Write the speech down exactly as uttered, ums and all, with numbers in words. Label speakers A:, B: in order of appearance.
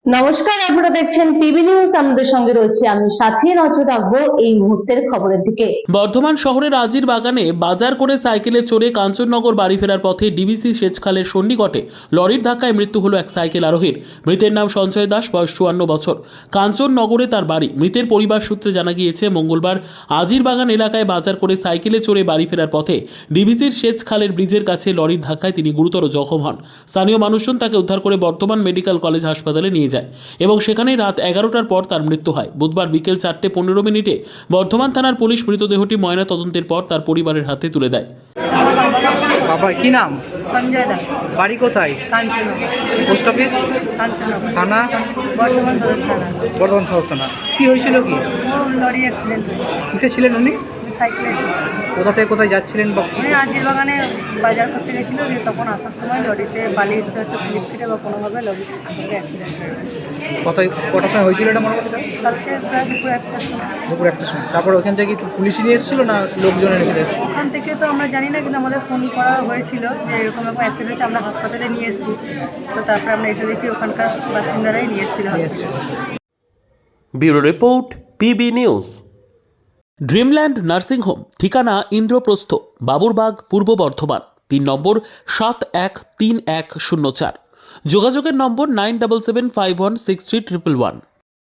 A: নমস্কার, আপনারা দেখছেন টিভি নিউজ। আমাদের সঙ্গে রয়েছে আমি সাথী। নজর রাখবো এই মুহূর্তের খবরের দিকে।
B: বর্ধমান শহরের আজির বাগানে বাজার করে সাইকেলে চড়ে কাঞ্চননগর বাড়ি ফেরার পথে ডিবিসি সেচখালের সন্নিকটে লরির ধাক্কায় মৃত্যু হলো এক সাইকেল আরোহীর। মৃতের নাম সঞ্জয় দাস, বয়স চুয়ান্ন বছর। কাঞ্চননগরে তার বাড়ি। মৃতের পরিবার সূত্রে জানা গিয়েছে, মঙ্গলবার আজির বাগান এলাকায় বাজার করে সাইকেলে চড়ে বাড়ি ফেরার পথে ডিবিসির সেচখালের ব্রিজের কাছে লরির ধাক্কায় তিনি গুরুতর জখম হন। স্থানীয় মানুষজন তাকে উদ্ধার করে বর্ধমান মেডিকেল কলেজ হাসপাতালে নিয়ে যায় এবং সেখানেই রাত এগারোটার পর তার মৃত্যু হয়। বুধবার বিকেল চারটে পনেরো মিনিটে বর্ধমান থানার পুলিশ মৃতদেহটি ময়না তদন্তের পর তার পরিবারের হাতে তুলে দেয়।
C: বাবা কি নাম?
D: সঞ্জয় দাস,
C: বাড়ি কোথায়?
D: কাঞ্চননগর।
C: Post office?
D: কাঞ্চননগর
C: থানা?
D: বর্ধমান সদর থানা।
C: বর্ধমান সদর থানা। কি হয়েছিল কি?
D: ও লরি অ্যাক্সিডেন্ট হয়েছে।
C: কিসে ছিলেন উনি?
D: আমি সাইকেলে ছিলাম।
C: কোথা থেকে কোথায় যাচ্ছিলেন বা
D: উনি আজির বাগানে বাজার করতে গেছিলো, দিয়ে তখন আসার সময় লরিতে বালির হয়তো স্লিপ কেটে বা কোনোভাবে লরির সঙ্গে অ্যাক্সিডেন্ট হয়ে গেছে।
C: কোথায় কটার সময় হয়েছিল এটা মনে করতে?
D: কালকে প্রায় দুপুর একটার সময়।
C: দুপুর একটার সময়। তারপর ওখান থেকে কি পুলিশই নিয়ে এসেছিল না লোকজন এসেছিল?
D: ওখান থেকে তো আমরা জানি না, কিন্তু আমাদের ফোন করা হয়েছিল যে এরকম এরকম অ্যাক্সিডেন্ট হয়েছে, আমরা হাসপাতালে নিয়ে এসেছি। তো তারপরে আমরা এসে দেখি ওখানকার বাসিন্দারাই নিয়ে এসেছিল
C: নিয়ে
D: হাসপাতালে।
C: এসেছিল।
E: Bureau report, PB news.
B: Dreamland nursing home, ঠিকানা ইন্দ্রপ্রস্থ, বাবুরবাগ, পূর্ব বর্ধমান। পিন নম্বর সাত এক তিন এক শূন্য চার। যোগাযোগের নম্বর nine double seven five one six three triple one.